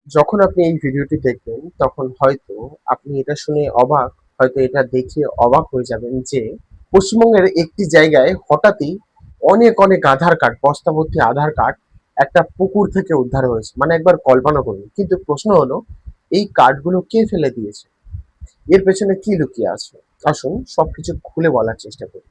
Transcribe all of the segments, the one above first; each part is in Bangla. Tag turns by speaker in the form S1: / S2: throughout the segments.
S1: যখন আপনি এই ভিডিওটি দেখবেন তখন হয়তো আপনি এটা শুনে অবাক, হয়তো এটা দেখে অবাক হয়ে যাবেন যে পশ্চিমবঙ্গের একটি জায়গায় হঠাৎই অনেক অনেক আধার কার্ড, বস্তা ভর্তি আধার কার্ড একটা পুকুর থেকে উদ্ধার হয়েছে। মানে একবার কল্পনা করুন। কিন্তু প্রশ্ন হলো, এই কার্ডগুলো কে ফেলে দিয়েছে? এর পেছনে কি লুকিয়ে আছে? আসুন সবকিছু খুলে বলার চেষ্টা করি।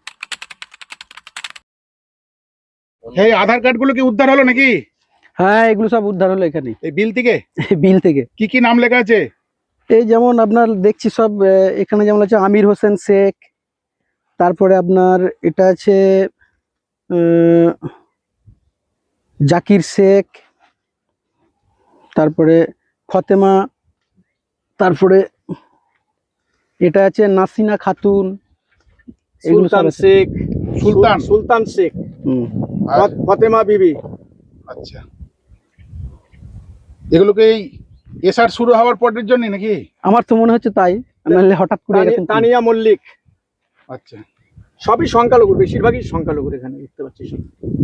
S2: এই আধার কার্ড গুলো কি উদ্ধার হলো নাকি?
S3: হ্যাঁ, এগুলো সব উদ্ধার হলো এখানে।
S2: এই বিল থেকে
S3: বিল থেকে।
S2: কি নাম লেখা আছে?
S3: এই যেমন আপনার দেখছি সব এখানে যেমন আছে আমির হোসেন শেখ, তারপরে আপনার এটা আছে জাকির শেখ, তারপরে ফতেমা, তারপরে এটা আছে নাসিনা খাতুন, এগুলো সব
S4: সুলতান
S3: আছে।
S4: শেখ,
S2: সুলতান
S4: শেখ,
S3: হুম।
S4: ফতেমা বিবি।
S2: আচ্ছা, এগুলোকে এই এসআর শুরু হওয়ার পরের জন্য নাকি?
S3: আমার তো মনে হচ্ছে তাই, নাহলে হঠাৎ করে এরকম কি?
S4: তানিয়া মল্লিক,
S2: আচ্ছা,
S4: সবই সংখ্যালঘু, বেশিরভাগই সংখ্যালঘুর এখানে দেখতে পাচ্ছি সব।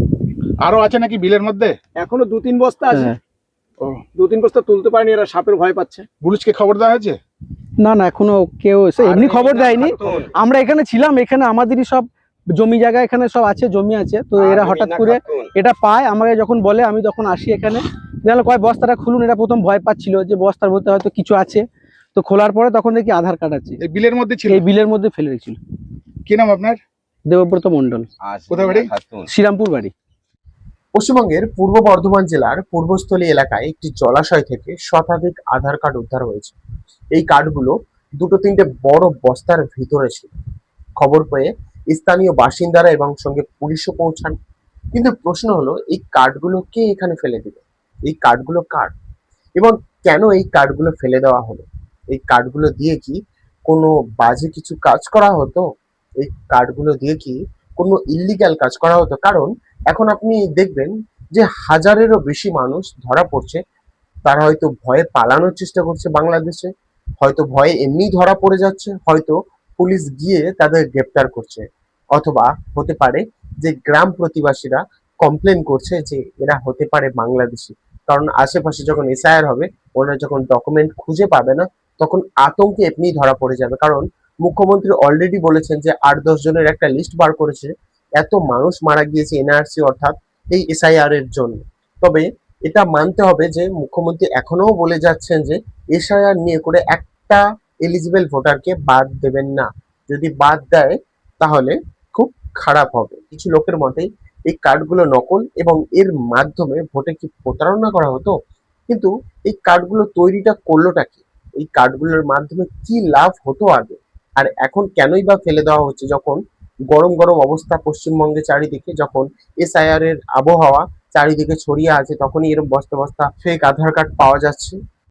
S2: আরো আছে নাকি বিলের মধ্যে?
S4: এখনো 2-3 বস্তা আছে।
S3: হ্যাঁ।
S2: ও,
S4: 2-3 বস্তা তুলতে পারেনি, এরা সাপের ভয় পাচ্ছে।
S2: পুলিশকে খবর দেওয়া হয়েছে?
S3: না না, এখনো কেউ এসে এমনি খবর দেয়নি। আমরা এখানে ছিলাম, এখানে আমাদেরই সব জমি জায়গা এখানে সব আছে, জমি আছে, তো এরা হঠাৎ করে এটা পায়, আমাকে যখন বলে আমি তখন আসি এখানে। দেখলো কয় বস্তাটা খুলুন, এটা প্রথম ভয় পাচ্ছিল যে বস্তার মধ্যে হয়তো কিছু আছে, তো খোলার পরে তখন দেখি আধার কার্ড আছে,
S2: এই বিলের মধ্যে ছিল?
S3: এই বিলের মধ্যে ফেলে রেখেছিল।
S2: কি নাম আপনার?
S3: দেবব্রত মন্ডল।
S2: কোথায় বাড়ি?
S3: শ্রীরামপুর বাড়ি।
S1: পশ্চিমবঙ্গের পূর্ব বর্ধমান জেলার পূর্বস্থলী এলাকায় একটি জলাশয় থেকে শতাধিক আধার কার্ড উদ্ধার হয়েছে। এই কার্ডগুলো দুটো তিনটে বড় বস্তার ভিতরে ছিল। খবর পেয়ে স্থানীয় বাসিন্দারা এবং সঙ্গে পুলিশও পৌঁছান। কিন্তু প্রশ্ন হলো, এই কার্ডগুলো কে এখানে ফেলে দিল? এই কার্ডগুলো কার এবং কেন এই কার্ডগুলো ফেলে দেওয়া হলো? এই কার্ডগুলো দিয়ে কি কোনো বাজে কিছু কাজ করা হতো? এই কার্ডগুলো দিয়ে কি কোনো ইল্লিগ্যাল কাজ করা হতো? কারণ এখন আপনি দেখবেন যে হাজারেরও বেশি মানুষ ধরা পড়ছে। তারা হয়তো ভয়ে পালানোর চেষ্টা করছে বাংলাদেশে, হয়তো ভয়ে এমনি ধরা পড়ে যাচ্ছে, হয়তো পুলিশ গিয়ে তাদের গ্রেপ্তার করছে, অথবা হতে পারে যে গ্রাম প্রতিবাসীরা কমপ্লেন করছে যে এরা হতে পারে বাংলাদেশি। কারণ আশেপাশে যখন এসআইআর হবে, ওনারা যখন ডকুমেন্ট খুঁজে পাবে না, তখন আতঙ্কে এমনি ধরা পড়ে যাবে। কারণ মুখ্যমন্ত্রী অলরেডি বলেছেন যে 8-10 জনের একটা লিস্ট বার করেছে। এত মানুষ মারা গিয়েছে এনআরসি অর্থাৎ এই এসআইআর এর জন্য। তবে এটা মানতে হবে যে মুখ্যমন্ত্রী এখনো বলে যাচ্ছেন যে এসআইআর নিয়ে করে একটা এলিজিবল ভোটারকে বাদ দেবেন না। যদি বাদ দেয় তাহলে খুব খারাপ হবে। কিছু লোকের মতে এই কার্ডগুলো নকল এবং এর মাধ্যমে ভোটে কি প্রতারণা করা হতো। কিন্তু এই কার্ডগুলো তৈরিটা করলোটা কি? এই কার্ডগুলোর মাধ্যমে কি লাভ হতো আগে, আর এখন কেনই বা ফেলে দেওয়া হচ্ছে? যখন গরম গরম অবস্থা পশ্চিমবঙ্গে চারিদিকে, যখন এসআইআর এর আবহাওয়া চারিদিকে ছড়িয়ে আছে, তখনই এরকম বস্তা বস্তা ফেক আধার কার্ড পাওয়া যাচ্ছে।